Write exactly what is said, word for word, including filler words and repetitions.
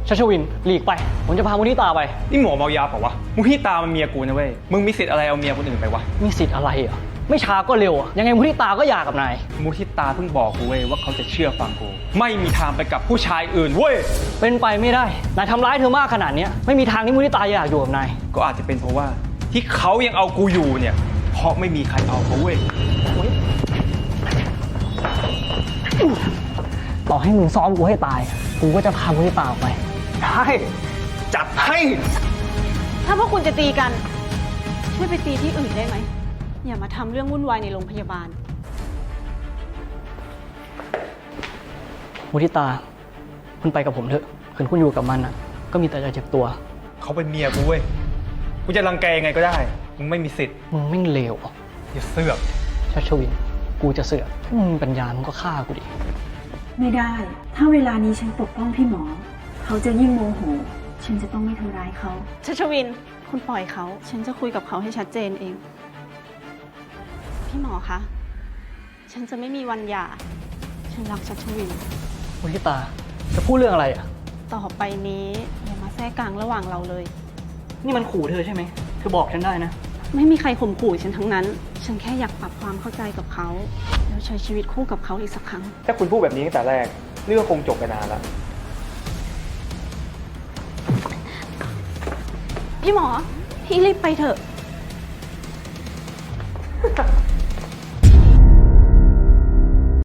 ชัชวินหลีกไปผมจะพามุทิตาไปนี่หมอเมายาเปล่าวะมุทิตามันเมียกูนะเว้ยมึงมีสิทธิ์อะไรเอาเมียคนอื่นไปวะมีสิทธิ์อะไรอ่ะไม่ช้าก็เร็วอ่ะยังไงมุทิตาก็หย่ากับนายมุทิตาเพิ่งบอกกูเว้ยว่าเขาจะเชื่อฟังกูไม่มีทางไปกับผู้ชายอื่นเว้ยเป็นไปไม่ได้นายทำร้ายเธอมากขนาดนี้ไม่มีทางที่มุทิตาอยากอยู่กับนายก็อาจจะเป็นเพราะว่าที่เขายังเอากูอยู่เนี่ยเพราะไม่มีใครเอาเขาเว้ยต่อให้มึงซ้อมกูให้ตายกูก็จะพามุทิตาออกไปได้จัดให้ถ้าพวกคุณจะตีกันช่วยไปตีที่อื่นได้ไหมอย่ามาทำเรื่องวุ่นวายในโรงพยาบาลมุทิตาคุณไปกับผมเถอะคืนคุณอยู่กับมันอ่ะก็มีแต่จะเจ็บตัวเขาเป็นเมียกูเว้ยกูจะรังแกยังไงก็ได้มึงไม่มีสิทธิ์มึงไม่เลวอย่าเสือกชัชวินกูจะเสือกถ้ามึงมีปัญญามึงก็ฆ่ากูดิไม่ได้ถ้าเวลานี้ฉันปกป้องพี่หมอเขาจะยิ่งโมโหฉันจะต้องไม่ทำร้ายเขาชัชวินคุณปล่อยเขาฉันจะคุยกับเขาให้ชัดเจนเองพี่หมอคะฉันจะไม่มีวันหย่าฉันรักชัชวินมุทิตาจะพูดเรื่องอะไรอ่ะต่อไปนี้อย่ามาแทรกกลางระหว่างเราเลยนี่มันขู่เธอใช่ไหมเธอบอกฉันได้นะไม่มีใครข่มขู่ฉันทั้งนั้นฉันแค่อยากปรับความเข้าใจกับเขาแล้วใช้ชีวิตคู่กับเขาอีกสักครั้งถ้าคุณพูดแบบนี้ตั้งแต่แรกเรื่องคงจบไปนานแล้วพี่หมอพี่รีบไปเถอะ